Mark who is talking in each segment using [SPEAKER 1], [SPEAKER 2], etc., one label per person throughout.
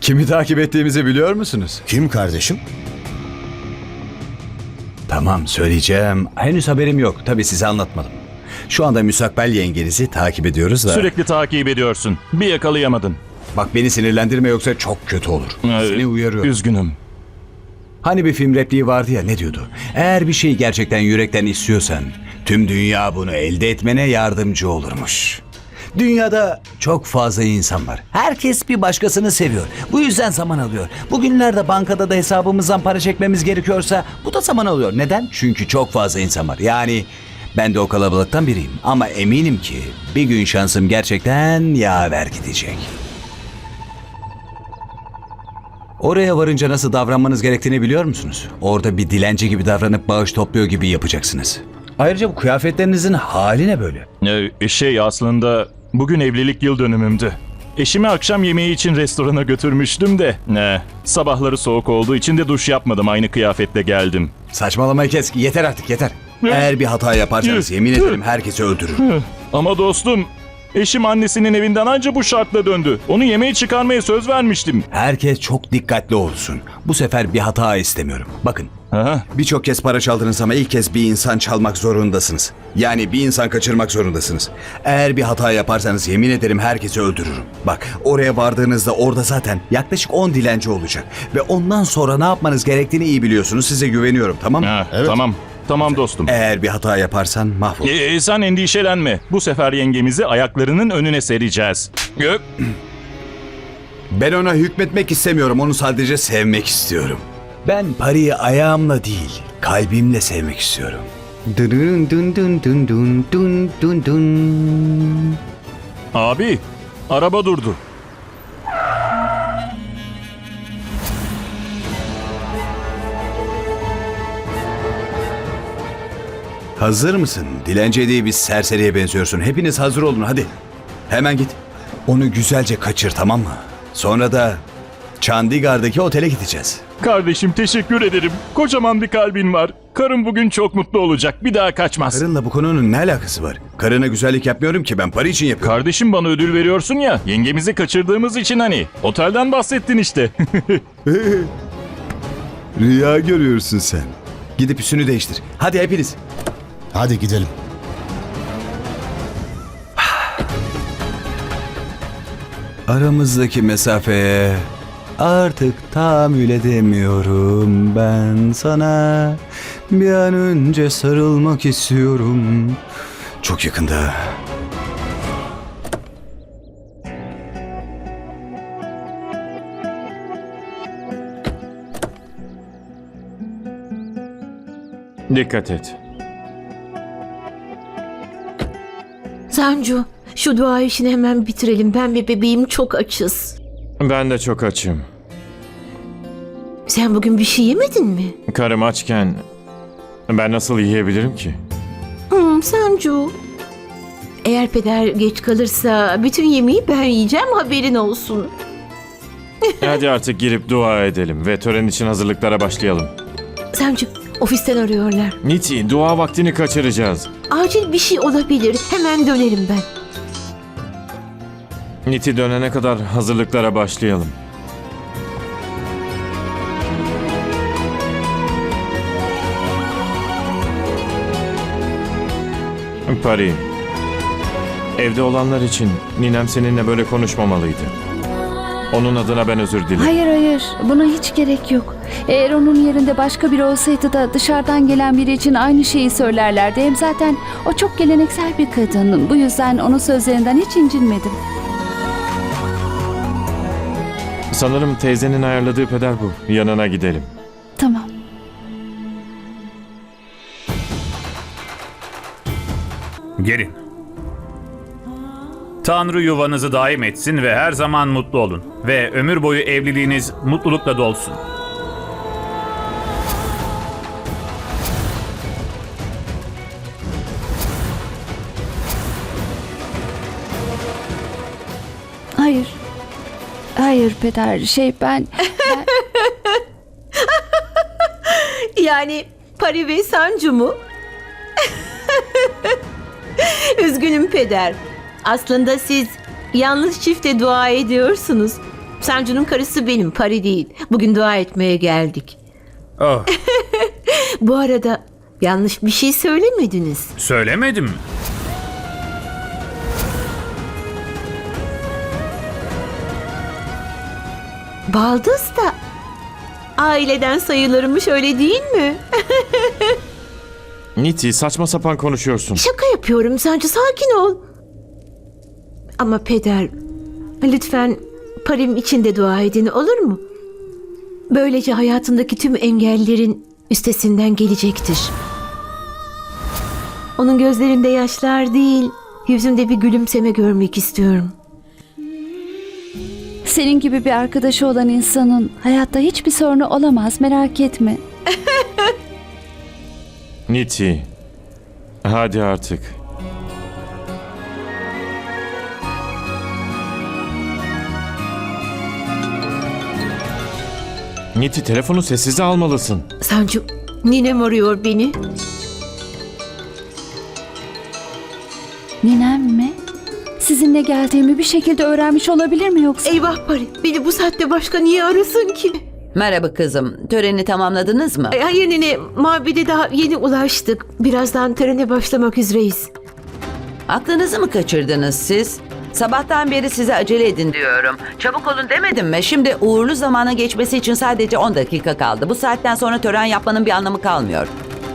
[SPEAKER 1] Kimi takip ettiğimizi biliyor musunuz?
[SPEAKER 2] Kim kardeşim?
[SPEAKER 1] Tamam, söyleyeceğim. Henüz haberim yok. Tabii size anlatmadım. Şu anda müstakbel yengenizi takip ediyoruz da...
[SPEAKER 3] Sürekli takip ediyorsun. Bir yakalayamadın.
[SPEAKER 1] Bak beni sinirlendirme yoksa çok kötü olur. Seni uyarıyorum.
[SPEAKER 3] Üzgünüm.
[SPEAKER 1] Hani bir film repliği vardı ya, ne diyordu? Eğer bir şeyi gerçekten yürekten istiyorsan tüm dünya bunu elde etmene yardımcı olurmuş. Dünyada çok fazla insan var. Herkes bir başkasını seviyor. Bu yüzden zaman alıyor. Bugünlerde bankada da hesabımızdan para çekmemiz gerekiyorsa bu da zaman alıyor. Neden? Çünkü çok fazla insan var. Yani ben de o kalabalıktan biriyim. Ama eminim ki bir gün şansım gerçekten yaver gidecek. Oraya varınca nasıl davranmanız gerektiğini biliyor musunuz? Orada bir dilenci gibi davranıp bağış topluyor gibi yapacaksınız. Ayrıca bu kıyafetlerinizin hali ne böyle?
[SPEAKER 3] Aslında bugün evlilik yıl dönümümdü. Eşimi akşam yemeği için restorana götürmüştüm de. Sabahları soğuk olduğu için de duş yapmadım. Aynı kıyafetle geldim.
[SPEAKER 1] Saçmalamayı kes. Yeter artık, yeter. Eğer bir hata yaparsanız yemin ederim herkesi öldürürüm.
[SPEAKER 3] Ama dostum, eşim annesinin evinden anca bu şartla döndü. Onu yemeğe çıkarmaya söz vermiştim.
[SPEAKER 1] Herkes çok dikkatli olsun. Bu sefer bir hata istemiyorum. Bakın.
[SPEAKER 3] Aha.
[SPEAKER 1] Birçok kez para çaldınız ama ilk kez bir insan çalmak zorundasınız. Yani bir insan kaçırmak zorundasınız. Eğer bir hata yaparsanız yemin ederim herkesi öldürürüm. Bak, oraya vardığınızda orada zaten yaklaşık 10 dilenci olacak. Ve ondan sonra ne yapmanız gerektiğini iyi biliyorsunuz. Size güveniyorum, tamam mı?
[SPEAKER 2] Evet.
[SPEAKER 3] Tamam dostum.
[SPEAKER 1] Eğer bir hata yaparsan mahvol.
[SPEAKER 3] Sen endişelenme. Bu sefer yengemizi ayaklarının önüne sereceğiz.
[SPEAKER 1] Ben ona hükmetmek istemiyorum. Onu sadece sevmek istiyorum. Ben parayı ayağımla değil, kalbimle sevmek istiyorum. Dun dun dun dun dun dun dun dun.
[SPEAKER 3] Abi, araba durdu.
[SPEAKER 1] Hazır mısın? Dilenci değil, bir serseriye benziyorsun. Hepiniz hazır olun, hadi. Hemen git. Onu güzelce kaçır, tamam mı? Sonra da Chandigarh'daki otele gideceğiz.
[SPEAKER 3] Kardeşim teşekkür ederim. Kocaman bir kalbin var. Karım bugün çok mutlu olacak. Bir daha kaçmaz.
[SPEAKER 1] Karınla bu konunun ne alakası var? Karına güzellik yapmıyorum ki, ben para için yapıyorum.
[SPEAKER 3] Kardeşim bana ödül veriyorsun ya. Yengemizi kaçırdığımız için hani. Otelden bahsettin işte.
[SPEAKER 1] Rüya görüyorsun sen. Gidip üstünü değiştir. Hadi hepiniz.
[SPEAKER 2] Hadi gidelim.
[SPEAKER 1] Aramızdaki mesafeye artık tahammül edemiyorum ben sana. Bir an önce sarılmak istiyorum. Çok yakında.
[SPEAKER 4] Dikkat et.
[SPEAKER 5] Sancu, şu dua işini hemen bitirelim. Ben ve bebeğim çok açız.
[SPEAKER 4] Ben de çok açım.
[SPEAKER 5] Sen bugün bir şey yemedin mi?
[SPEAKER 4] Karım açken ben nasıl yiyebilirim ki?
[SPEAKER 5] Sancu. Eğer peder geç kalırsa bütün yemeği ben yiyeceğim, haberin olsun.
[SPEAKER 4] Hadi artık girip dua edelim ve tören için hazırlıklara başlayalım.
[SPEAKER 5] Sancu, ofisten arıyorlar.
[SPEAKER 4] Niti, dua vaktini kaçıracağız.
[SPEAKER 5] Acil bir şey olabilir. Hemen dönerim ben.
[SPEAKER 4] Niti dönene kadar hazırlıklara başlayalım. Pari, evde olanlar için ninem seninle böyle konuşmamalıydı. Onun adına ben özür dilerim.
[SPEAKER 6] Hayır, buna hiç gerek yok. Eğer onun yerinde başka biri olsaydı da dışarıdan gelen biri için aynı şeyi söylerlerdi. Hem zaten o çok geleneksel bir kadın. Bu yüzden onun sözlerinden hiç incinmedim.
[SPEAKER 4] Sanırım teyzenin ayarladığı peder bu. Yanına gidelim.
[SPEAKER 6] Tamam.
[SPEAKER 7] Gelin. Tanrı yuvanızı daim etsin ve her zaman mutlu olun. Ve ömür boyu evliliğiniz mutlulukla dolsun.
[SPEAKER 6] Hayır peder, ben...
[SPEAKER 5] Yani Pari ve Sancu mu? Üzgünüm peder. Aslında siz yanlış çifte dua ediyorsunuz. Sancu'nun karısı benim, Pari değil. Bugün dua etmeye geldik.
[SPEAKER 7] Oh,
[SPEAKER 5] Bu arada yanlış bir şey söylemediniz.
[SPEAKER 7] söylemedim.
[SPEAKER 5] Baldız da aileden sayılırmış, öyle değil mi?
[SPEAKER 4] Niti, saçma sapan konuşuyorsun.
[SPEAKER 5] Şaka yapıyorum Sancu, sakin ol. Ama peder, lütfen Parim için de dua edin, olur mu? Böylece hayatındaki tüm engellerin üstesinden gelecektir. Onun gözlerinde yaşlar değil, yüzünde bir gülümseme görmek istiyorum.
[SPEAKER 6] Senin gibi bir arkadaşı olan insanın hayatta hiçbir sorunu olamaz, merak etme.
[SPEAKER 4] Niti, hadi artık. Niti, telefonu sessize almalısın.
[SPEAKER 5] Sancu, ninem arıyor beni.
[SPEAKER 6] Ninem mi? Sizinle geldiğimi bir şekilde öğrenmiş olabilir mi yoksa?
[SPEAKER 5] Eyvah Pari, beni bu saatte başka niye arasın ki?
[SPEAKER 8] Merhaba kızım. Töreni tamamladınız mı?
[SPEAKER 5] Hayır nene, mabede daha yeni ulaştık. Birazdan törene başlamak üzereyiz.
[SPEAKER 8] Aklınızı mı kaçırdınız siz? Sabahtan beri size acele edin diyorum. Çabuk olun demedim mi? Şimdi uğurlu zamana geçmesi için sadece 10 dakika kaldı. Bu saatten sonra tören yapmanın bir anlamı kalmıyor.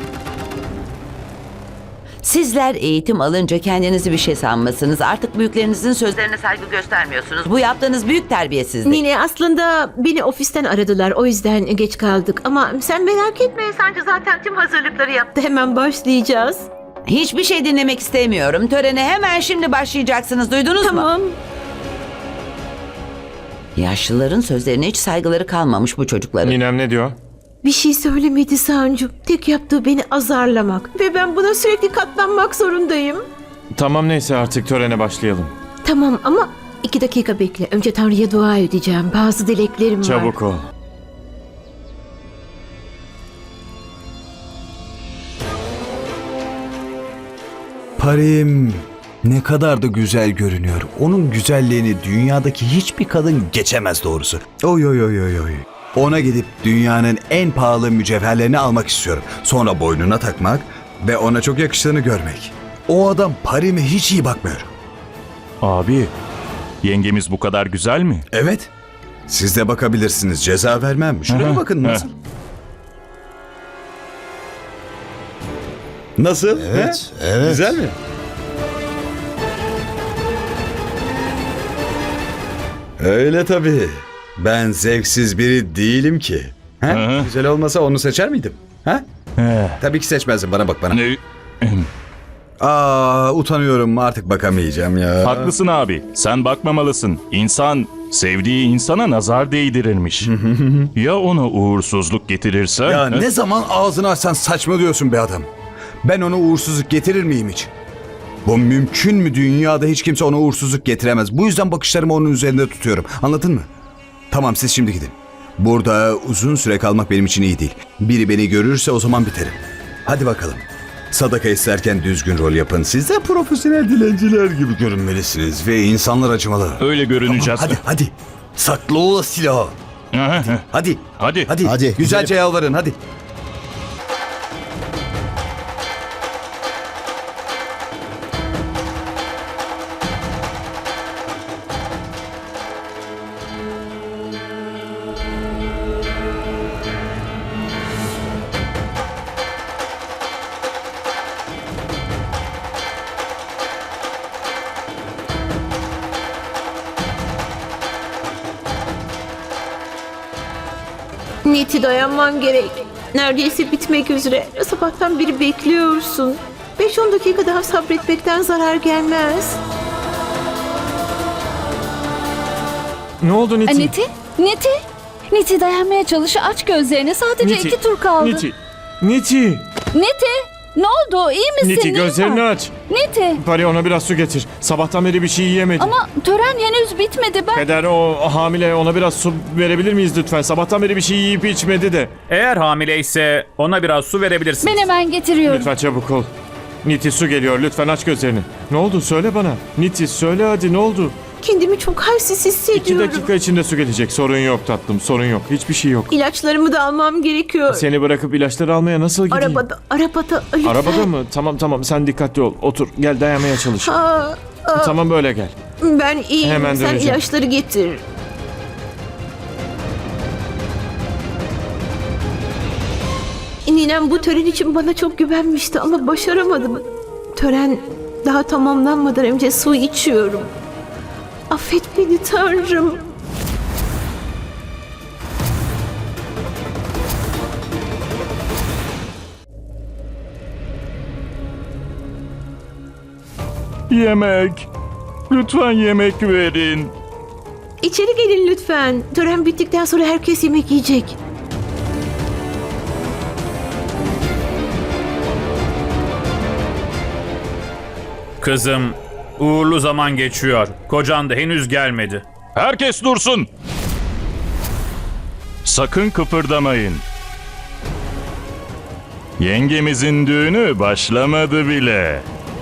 [SPEAKER 8] Sizler eğitim alınca kendinizi bir şey sanmasınız. Artık büyüklerinizin sözlerine saygı göstermiyorsunuz. Bu yaptığınız büyük terbiyesizlik.
[SPEAKER 5] Nine, aslında beni ofisten aradılar, o yüzden geç kaldık. Ama sen merak etme, Sancu zaten tüm hazırlıkları yaptı. Hemen başlayacağız.
[SPEAKER 8] Hiçbir şey dinlemek istemiyorum. Törene hemen şimdi başlayacaksınız. Duydunuz mu?
[SPEAKER 5] Tamam.
[SPEAKER 8] Yaşlıların sözlerine hiç saygıları kalmamış bu çocukların.
[SPEAKER 4] Ninem ne diyor?
[SPEAKER 5] Bir şey söylemedi Sancu. Tek yaptığı beni azarlamak. Ve ben buna sürekli katlanmak zorundayım.
[SPEAKER 4] Tamam, neyse artık törene başlayalım.
[SPEAKER 5] Tamam ama 2 dakika bekle. Önce Tanrı'ya dua edeceğim. Bazı dileklerim var.
[SPEAKER 4] Çabuk ol.
[SPEAKER 1] Parim ne kadar da güzel görünüyor. Onun güzelliğini dünyadaki hiçbir kadın geçemez doğrusu. Oy oy oy oy oy. Ona gidip dünyanın en pahalı mücevherlerini almak istiyorum. Sonra boynuna takmak ve ona çok yakıştığını görmek. O adam Parim'e hiç iyi bakmıyor.
[SPEAKER 3] Abi, yengemiz bu kadar güzel mi?
[SPEAKER 1] Evet. Siz de bakabilirsiniz. Ceza vermem. Şuraya
[SPEAKER 3] Aha,
[SPEAKER 1] bakın nasıl.
[SPEAKER 3] ha.
[SPEAKER 1] Nasıl?
[SPEAKER 2] Evet,
[SPEAKER 1] He?
[SPEAKER 2] evet.
[SPEAKER 1] Güzel mi? Öyle tabii. Ben zevksiz biri değilim ki. He?
[SPEAKER 3] Hı.
[SPEAKER 1] Güzel olmasa onu seçer miydim? Ha?
[SPEAKER 3] He.
[SPEAKER 1] Tabii ki seçmezdim. Bana bak bana.
[SPEAKER 3] Ne?
[SPEAKER 1] Utanıyorum. Artık bakamayacağım ya.
[SPEAKER 3] Haklısın abi. Sen bakmamalısın. İnsan sevdiği insana nazar değdirirmiş. Ya ona uğursuzluk getirirse?
[SPEAKER 1] Ya
[SPEAKER 3] He?
[SPEAKER 1] ne zaman ağzını açsan saçmalıyorsun be adam. Ben ona uğursuzluk getirir miyim hiç? Bu mümkün mü? Dünyada hiç kimse ona uğursuzluk getiremez. Bu yüzden bakışlarımı onun üzerinde tutuyorum. Anladın mı? Tamam, siz şimdi gidin. Burada uzun süre kalmak benim için iyi değil. Biri beni görürse o zaman biterim. Hadi bakalım. Sadaka isterken düzgün rol yapın. Siz de profesyonel dilenciler gibi görünmelisiniz ve insanlar acımalı.
[SPEAKER 3] Öyle görüneceğiz.
[SPEAKER 1] Hadi. Saklı o silahı. Hadi.
[SPEAKER 3] Hadi.
[SPEAKER 1] Hadi. Güzelce yalvarın hadi.
[SPEAKER 5] Niti, dayanman gerek. Neredeyse bitmek üzere. Sabahtan beri bekliyorsun. 5-10 dakika daha sabretmekten zarar gelmez.
[SPEAKER 4] Ne oldu Niti?
[SPEAKER 6] Niti dayanmaya çalış, aç gözlerini, sadece
[SPEAKER 4] Niti,
[SPEAKER 6] 2 tur kaldı.
[SPEAKER 4] Niti,
[SPEAKER 6] Ne oldu, iyi misin?
[SPEAKER 4] Niti
[SPEAKER 6] Neyin
[SPEAKER 4] gözlerini
[SPEAKER 6] var?
[SPEAKER 4] aç.
[SPEAKER 6] Niti,
[SPEAKER 4] Pari, ona biraz su getir. Sabahtan beri bir şey yiyemedi.
[SPEAKER 6] ama tören henüz bitmedi, ben...
[SPEAKER 4] Peder, o hamile, ona biraz su verebilir miyiz lütfen? Sabahtan beri bir şey yiyip içmedi de.
[SPEAKER 7] Eğer hamileyse ona biraz su verebilirsiniz.
[SPEAKER 6] Ben hemen getiriyorum.
[SPEAKER 4] Lütfen çabuk ol. Niti, su geliyor, lütfen aç gözlerini. Ne oldu, söyle bana. Niti, söyle hadi, ne oldu?
[SPEAKER 5] Kendimi çok halsiz
[SPEAKER 4] 2
[SPEAKER 5] hissediyorum.
[SPEAKER 4] dakika içinde su gelecek. Sorun yok tatlım, sorun yok. Hiçbir şey yok.
[SPEAKER 5] İlaçlarımı da almam gerekiyor.
[SPEAKER 4] Seni bırakıp ilaçları almaya nasıl gideyim?
[SPEAKER 5] Arabada lütfen.
[SPEAKER 4] Arabada mı? Tamam sen dikkatli ol. Otur, gel dayanmaya çalış. Tamam böyle gel.
[SPEAKER 5] Ben iyiyim.
[SPEAKER 4] Hemen
[SPEAKER 5] Sen
[SPEAKER 4] döneceğim.
[SPEAKER 5] ilaçları getir. Ninem bu tören için bana çok güvenmişti ama başaramadım. Tören daha tamamlanmadan önce su içiyorum. Affet beni Tanrım.
[SPEAKER 3] Yemek. Lütfen yemek verin.
[SPEAKER 5] İçeri gelin lütfen. Tören bittikten sonra herkes yemek yiyecek.
[SPEAKER 7] Kızım, uğurlu zaman geçiyor. Kocan da henüz gelmedi.
[SPEAKER 3] Herkes dursun. Sakın kıpırdamayın. Yengemizin düğünü başlamadı bile.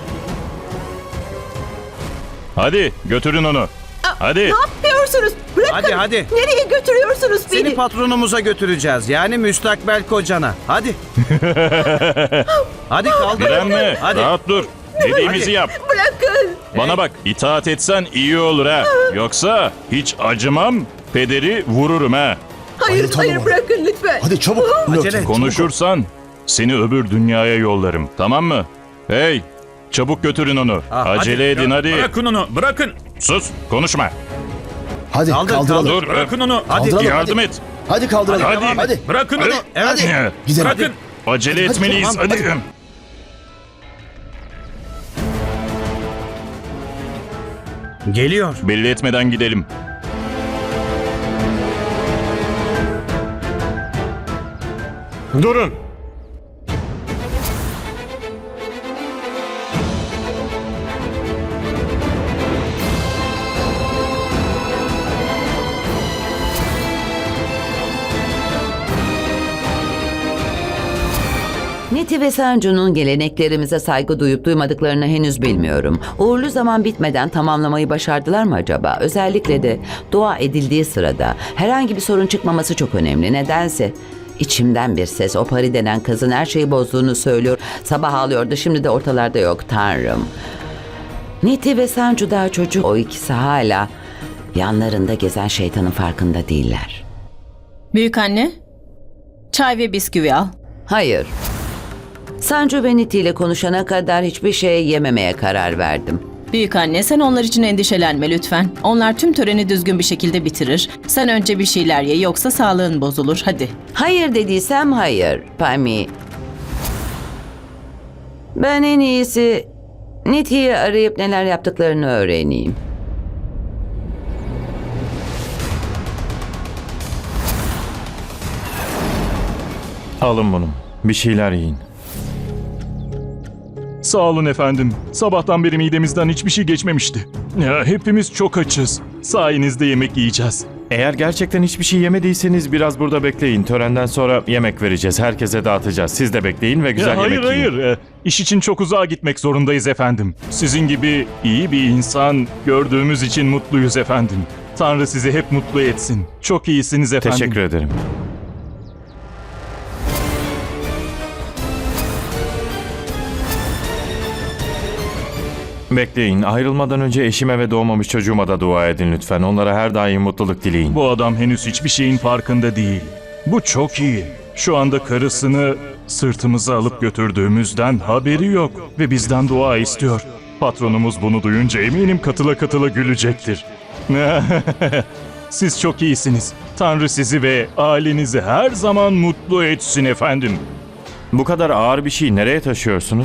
[SPEAKER 3] Hadi götürün onu. Hadi.
[SPEAKER 5] Ne yapıyorsunuz? Bırakın.
[SPEAKER 9] Hadi.
[SPEAKER 5] Nereye götürüyorsunuz beni?
[SPEAKER 9] Seni patronumuza götüreceğiz. Yani müstakbel kocana. Hadi. Hadi kaldır.
[SPEAKER 3] Direnme.
[SPEAKER 9] Hadi.
[SPEAKER 3] Rahat dur. Dediğimizi
[SPEAKER 9] Hadi.
[SPEAKER 3] yap.
[SPEAKER 5] Bırakın.
[SPEAKER 3] Bana bak, itaat etsen iyi olur ha. Yoksa hiç acımam, pederi vururum ha.
[SPEAKER 5] Hayır,
[SPEAKER 2] Tamam.
[SPEAKER 5] bırakın lütfen.
[SPEAKER 2] Hadi çabuk.
[SPEAKER 9] Acele et.
[SPEAKER 3] Konuşursan seni öbür dünyaya yollarım. Tamam mı? Hey, çabuk götürün onu. Acele
[SPEAKER 7] Hadi.
[SPEAKER 3] edin hadi.
[SPEAKER 7] Bırakın onu, bırakın.
[SPEAKER 3] Sus, konuşma.
[SPEAKER 2] Hadi
[SPEAKER 9] Kaldır,
[SPEAKER 2] kaldıralım.
[SPEAKER 3] Dur,
[SPEAKER 7] Bırakın onu.
[SPEAKER 9] Hadi.
[SPEAKER 2] Kaldıralım,
[SPEAKER 3] yardım
[SPEAKER 2] hadi.
[SPEAKER 3] et.
[SPEAKER 2] Hadi kaldıralım.
[SPEAKER 3] Hadi.
[SPEAKER 2] Hadi.
[SPEAKER 7] Bırakın onu.
[SPEAKER 9] Evet.
[SPEAKER 2] Gidelim.
[SPEAKER 7] Bırakın.
[SPEAKER 3] Acele
[SPEAKER 2] Hadi,
[SPEAKER 3] etmeliyiz.
[SPEAKER 2] tamam,
[SPEAKER 3] Hadi.
[SPEAKER 2] hadi.
[SPEAKER 9] Geliyor.
[SPEAKER 3] Belli etmeden gidelim.
[SPEAKER 4] Durun.
[SPEAKER 8] Niti ve Sancu'nun geleneklerimize saygı duyup duymadıklarını henüz bilmiyorum. Uğurlu zaman bitmeden tamamlamayı başardılar mı acaba? Özellikle de dua edildiği sırada herhangi bir sorun çıkmaması çok önemli. Nedense içimden bir ses o Pari denen kızın her şeyi bozduğunu söylüyor. Sabah ağlıyordu, şimdi de ortalarda yok. Tanrım. Niti ve Sancu daha çocuk. O ikisi hala yanlarında gezen şeytanın farkında değiller.
[SPEAKER 10] Büyük anne, çay ve bisküvi al.
[SPEAKER 8] Hayır. Sancu ve Niti ile konuşana kadar hiçbir şey yememeye karar verdim.
[SPEAKER 10] Büyük anne, sen onlar için endişelenme lütfen. Onlar tüm töreni düzgün bir şekilde bitirir. Sen önce bir şeyler ye, yoksa sağlığın bozulur. Hadi.
[SPEAKER 8] Hayır dediysem hayır, Pami. Ben en iyisi Niti'yi arayıp neler yaptıklarını öğreneyim.
[SPEAKER 4] Alın bunu. Bir şeyler yiyin.
[SPEAKER 3] Sağ olun efendim. Sabahtan beri midemizden hiçbir şey geçmemişti. Ya, hepimiz çok açız. Sayenizde yemek yiyeceğiz.
[SPEAKER 4] Eğer gerçekten hiçbir şey yemediyseniz biraz burada bekleyin. Törenden sonra yemek vereceğiz. Herkese dağıtacağız. Siz de bekleyin ve güzel
[SPEAKER 3] hayır
[SPEAKER 4] yemek yiyin.
[SPEAKER 3] hayır. İş için çok uzağa gitmek zorundayız efendim. Sizin gibi iyi bir insan gördüğümüz için mutluyuz efendim. Tanrı sizi hep mutlu etsin. Çok iyisiniz efendim.
[SPEAKER 4] Teşekkür ederim. Bekleyin. Ayrılmadan önce eşime ve doğmamış çocuğuma da dua edin lütfen. Onlara her daim mutluluk dileyin.
[SPEAKER 3] Bu adam henüz hiçbir şeyin farkında değil. Bu çok iyi. Şu anda karısını sırtımıza alıp götürdüğümüzden haberi yok ve bizden dua istiyor. Patronumuz bunu duyunca eminim katıla katıla gülecektir. Siz çok iyisiniz. Tanrı sizi ve ailenizi her zaman mutlu etsin efendim.
[SPEAKER 4] Bu kadar ağır bir şeyi nereye taşıyorsunuz?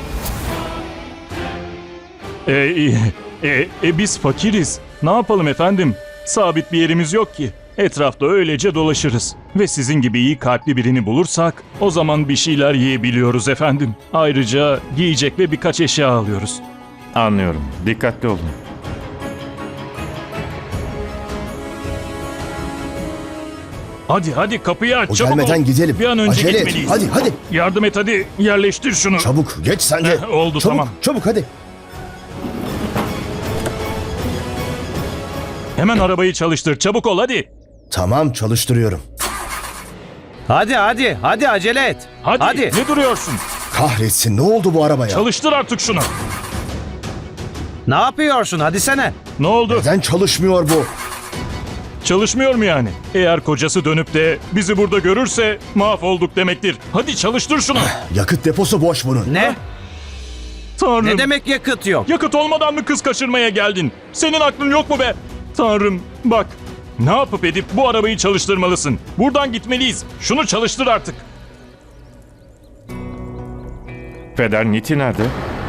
[SPEAKER 3] Biz fakiriz. Ne yapalım efendim? Sabit bir yerimiz yok ki. Etrafta öylece dolaşırız. Ve sizin gibi iyi kalpli birini bulursak o zaman bir şeyler yiyebiliyoruz efendim. Ayrıca giyecek ve birkaç eşya alıyoruz.
[SPEAKER 4] Anlıyorum. Dikkatli olun.
[SPEAKER 3] Hadi kapıyı aç
[SPEAKER 2] O
[SPEAKER 3] çabuk
[SPEAKER 2] gelmeden
[SPEAKER 3] ol.
[SPEAKER 2] gidelim.
[SPEAKER 3] Bir an önce
[SPEAKER 2] Acele et.
[SPEAKER 3] gitmeliyiz.
[SPEAKER 2] Hadi.
[SPEAKER 3] Yardım et hadi yerleştir şunu.
[SPEAKER 2] Çabuk geç sen de.
[SPEAKER 3] Oldu,
[SPEAKER 2] çabuk,
[SPEAKER 3] tamam.
[SPEAKER 2] Çabuk hadi.
[SPEAKER 3] Hemen arabayı çalıştır. Çabuk ol hadi.
[SPEAKER 2] Tamam, çalıştırıyorum.
[SPEAKER 9] Hadi acele et.
[SPEAKER 3] Hadi. Ne duruyorsun?
[SPEAKER 2] Kahretsin, ne oldu bu arabaya?
[SPEAKER 3] Çalıştır artık şunu.
[SPEAKER 9] Ne yapıyorsun? Hadi sene.
[SPEAKER 3] Ne oldu?
[SPEAKER 2] Neden çalışmıyor bu?
[SPEAKER 3] Çalışmıyor mu yani? Eğer kocası dönüp de bizi burada görürse mahvolduk demektir. Hadi çalıştır şunu.
[SPEAKER 2] Yakıt deposu boş bunun.
[SPEAKER 9] Ne?
[SPEAKER 3] Tanrım.
[SPEAKER 9] Ne demek yakıt yok?
[SPEAKER 3] Yakıt olmadan mı kız kaçırmaya geldin? Senin aklın yok mu be? Tanrım bak. Ne yapıp edip bu arabayı çalıştırmalısın. Buradan gitmeliyiz. Şunu çalıştır artık.
[SPEAKER 4] Peder, Niti nerede?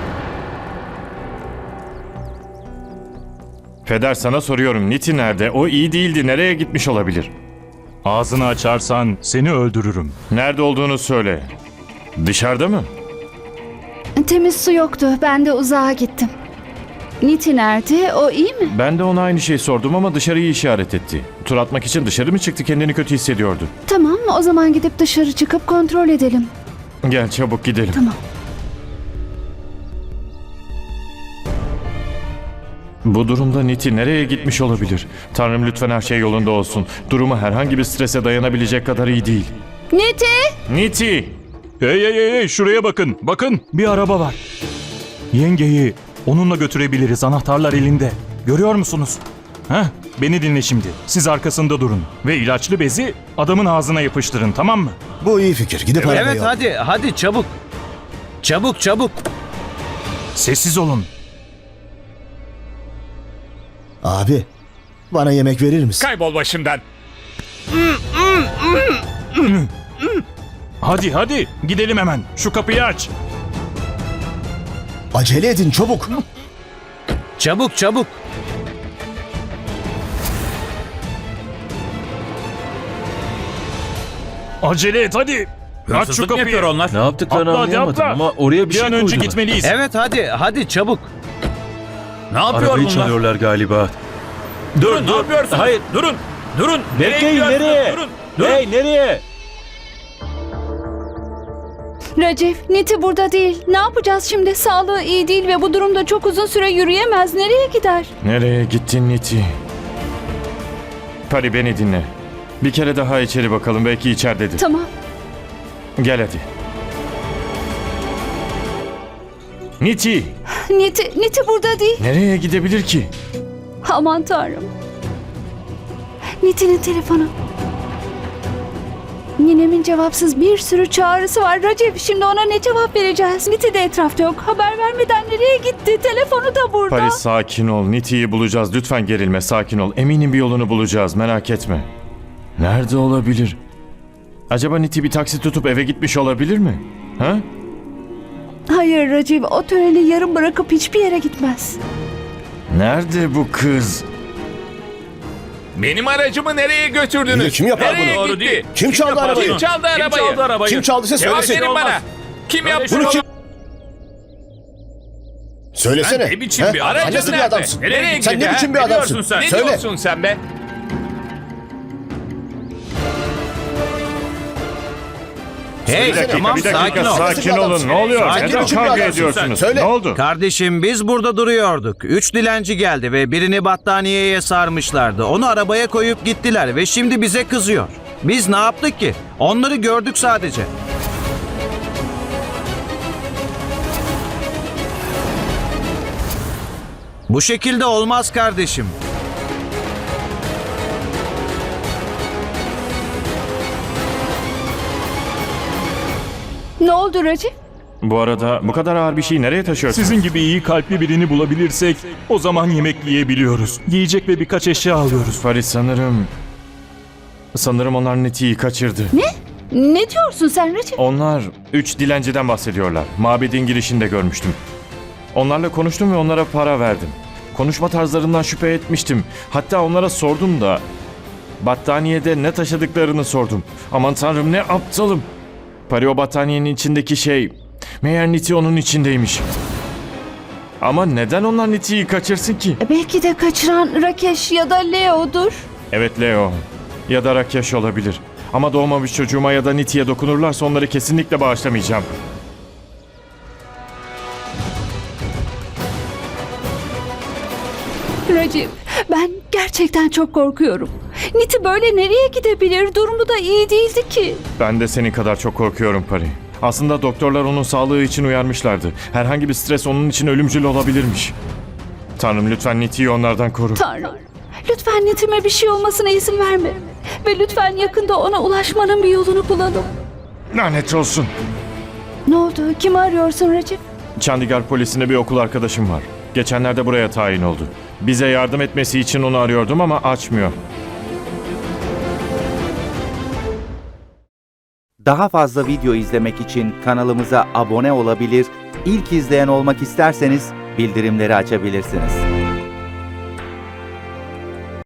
[SPEAKER 4] Peder, sana soruyorum, Niti nerede? O iyi değildi, nereye gitmiş olabilir?
[SPEAKER 3] Ağzını açarsan seni öldürürüm.
[SPEAKER 4] Nerede olduğunu söyle. Dışarıda mı?
[SPEAKER 6] Temiz su yoktu. Ben de uzağa gittim. Niti nerede? O iyi mi?
[SPEAKER 4] Ben de ona aynı şeyi sordum ama dışarıyı işaret etti. Tur atmak için dışarı mı çıktı, kendini kötü hissediyordu.
[SPEAKER 6] Tamam, o zaman gidip dışarı çıkıp kontrol edelim.
[SPEAKER 4] Gel çabuk gidelim.
[SPEAKER 6] Tamam.
[SPEAKER 4] Bu durumda Niti nereye gitmiş olabilir? Tanrım lütfen her şey yolunda olsun. Durumu herhangi bir strese dayanabilecek kadar iyi değil.
[SPEAKER 6] Niti!
[SPEAKER 4] Niti!
[SPEAKER 3] Hey şuraya bakın. Bakın bir araba var. Yengeyi onunla götürebiliriz. Anahtarlar elinde. Görüyor musunuz? Heh, beni dinle şimdi. Siz arkasında durun. Ve ilaçlı bezi adamın ağzına yapıştırın, tamam mı?
[SPEAKER 2] Bu iyi fikir. Gidip arabayı
[SPEAKER 9] Evet
[SPEAKER 2] al.
[SPEAKER 9] hadi çabuk. Çabuk.
[SPEAKER 3] Sessiz olun.
[SPEAKER 2] Abi, bana yemek verir misin?
[SPEAKER 7] Kaybol başımdan.
[SPEAKER 3] Hadi gidelim hemen. Şu kapıyı aç.
[SPEAKER 2] Acele edin, çabuk.
[SPEAKER 9] Çabuk.
[SPEAKER 3] Acele et hadi. Aç şu
[SPEAKER 7] Hırsızlık mı
[SPEAKER 3] kapıyı.
[SPEAKER 7] yapıyor onlar?
[SPEAKER 11] Ne yaptıklarını
[SPEAKER 3] Atla, hadi
[SPEAKER 11] anlayamadım
[SPEAKER 3] atla.
[SPEAKER 11] ama oraya bir
[SPEAKER 3] Bir
[SPEAKER 11] şey
[SPEAKER 3] an önce
[SPEAKER 11] koydular.
[SPEAKER 3] gitmeliyiz.
[SPEAKER 9] Evet hadi çabuk.
[SPEAKER 7] Ne yapıyor
[SPEAKER 11] Arabayı
[SPEAKER 7] bunlar?
[SPEAKER 11] çalıyorlar galiba.
[SPEAKER 7] Durun, ne yapıyorsunuz?
[SPEAKER 11] Hayır.
[SPEAKER 7] Durun.
[SPEAKER 11] Bekleyin,
[SPEAKER 7] gidiyorsunuz?
[SPEAKER 11] nereye?
[SPEAKER 7] Durun.
[SPEAKER 11] Hey, nereye?
[SPEAKER 6] Racif, Niti burada değil. Ne yapacağız şimdi? Sağlığı iyi değil ve bu durumda çok uzun süre yürüyemez. Nereye gider?
[SPEAKER 4] Nereye gittin Niti? Pari beni dinle. Bir kere daha içeri bakalım, belki içeridedir.
[SPEAKER 6] Tamam.
[SPEAKER 4] Gel hadi. Niti!
[SPEAKER 6] Niti burada değil.
[SPEAKER 4] Nereye gidebilir ki?
[SPEAKER 6] Aman Tanrım. Niti'nin telefonu. Ninemin cevapsız bir sürü çağrısı var. Racif, şimdi ona ne cevap vereceğiz? Niti de etrafta yok. Haber vermeden nereye gitti? Telefonu da burada.
[SPEAKER 4] Paris, sakin ol. Niti'yi bulacağız. Lütfen gerilme, sakin ol. Eminim bir yolunu bulacağız, merak etme. Nerede olabilir? Acaba Niti bir taksi tutup eve gitmiş olabilir mi? Ha?
[SPEAKER 6] Hayır Racif, o töreni yarım bırakıp hiçbir yere gitmez.
[SPEAKER 4] Nerede bu kız?
[SPEAKER 7] Benim aracımı nereye
[SPEAKER 2] İyi de
[SPEAKER 7] götürdünüz?
[SPEAKER 2] kim yapar
[SPEAKER 7] Nereye
[SPEAKER 2] bunu?
[SPEAKER 7] gitti?
[SPEAKER 2] Doğru değil. Kim çaldı arabayı?
[SPEAKER 7] Kim çaldı arabayı?
[SPEAKER 2] Kim çaldıysa
[SPEAKER 7] Cevap
[SPEAKER 2] söylesin.
[SPEAKER 7] verin bana. Kim yaptı
[SPEAKER 2] Bunu kim...
[SPEAKER 7] Sen
[SPEAKER 2] Söylesene.
[SPEAKER 7] ne biçim
[SPEAKER 2] He?
[SPEAKER 7] bir
[SPEAKER 2] Sen
[SPEAKER 7] aracın
[SPEAKER 2] nasıl bir
[SPEAKER 7] nerede?
[SPEAKER 2] adamsın?
[SPEAKER 7] Nereye gitti?
[SPEAKER 2] Sen ne biçim bir
[SPEAKER 7] Ne
[SPEAKER 2] adamsın?
[SPEAKER 7] diyorsun sen? Ne
[SPEAKER 2] Söyle.
[SPEAKER 7] diyorsun sen be?
[SPEAKER 9] Hey
[SPEAKER 4] Bir dakika,
[SPEAKER 9] tamam
[SPEAKER 4] bir dakika,
[SPEAKER 9] sakin ol.
[SPEAKER 4] sakin olun. Ne oluyor?
[SPEAKER 9] Sakin
[SPEAKER 4] Neden
[SPEAKER 9] ol.
[SPEAKER 4] kavga
[SPEAKER 2] Sen
[SPEAKER 4] ediyorsunuz?
[SPEAKER 2] söyle.
[SPEAKER 4] Ne oldu?
[SPEAKER 9] Kardeşim biz burada duruyorduk. 3 dilenci geldi ve birini battaniyeye sarmışlardı. Onu arabaya koyup gittiler ve şimdi bize kızıyor. Biz ne yaptık ki? Onları gördük sadece. Bu şekilde olmaz kardeşim.
[SPEAKER 6] Ne oldu Racif?
[SPEAKER 4] Bu arada bu kadar ağır bir şeyi nereye taşıyorsunuz?
[SPEAKER 3] Sizin gibi iyi kalpli birini bulabilirsek o zaman yemek yiyebiliyoruz. Yiyecek ve birkaç eşya alıyoruz.
[SPEAKER 4] Paris, sanırım onlar Niti'yi kaçırdı.
[SPEAKER 6] Ne diyorsun sen Racif?
[SPEAKER 4] Onlar 3 dilenciden bahsediyorlar. Mabedin girişinde görmüştüm. Onlarla konuştum ve onlara para verdim. Konuşma tarzlarından şüphe etmiştim. Hatta onlara sordum da battaniyede ne taşıdıklarını sordum. Aman tanrım, ne aptalım. Pari, o battaniyenin içindeki şey, meğer Niti onun içindeymiş. Ama neden onlar Niti'yi kaçırsın ki?
[SPEAKER 6] Belki de kaçıran Rakesh ya da Leo'dur.
[SPEAKER 4] Evet, Leo ya da Rakesh olabilir. Ama doğmamış çocuğuma ya da Niti'ye dokunurlarsa onları kesinlikle bağışlamayacağım.
[SPEAKER 6] Racif, ben Gerçekten çok korkuyorum. Niti böyle nereye gidebilir? Durumu da iyi değildi ki.
[SPEAKER 4] Ben de senin kadar çok korkuyorum Pari. Aslında doktorlar onun sağlığı için uyarmışlardı. Herhangi bir stres onun için ölümcül olabilirmiş. Tanrım lütfen Niti'yi onlardan koru.
[SPEAKER 6] Tanrım, lütfen Niti'me bir şey olmasına izin verme. Ve lütfen yakında ona ulaşmanın bir yolunu bulalım.
[SPEAKER 4] Lanet olsun.
[SPEAKER 6] Ne oldu? Kimi arıyorsun Recep?
[SPEAKER 4] Chandigarh polisinde bir okul arkadaşım var. Geçenlerde buraya tayin oldu. Bize yardım etmesi için onu arıyordum ama açmıyor.
[SPEAKER 11] Daha fazla video izlemek için kanalımıza abone olabilir, ilk izleyen olmak isterseniz bildirimleri açabilirsiniz.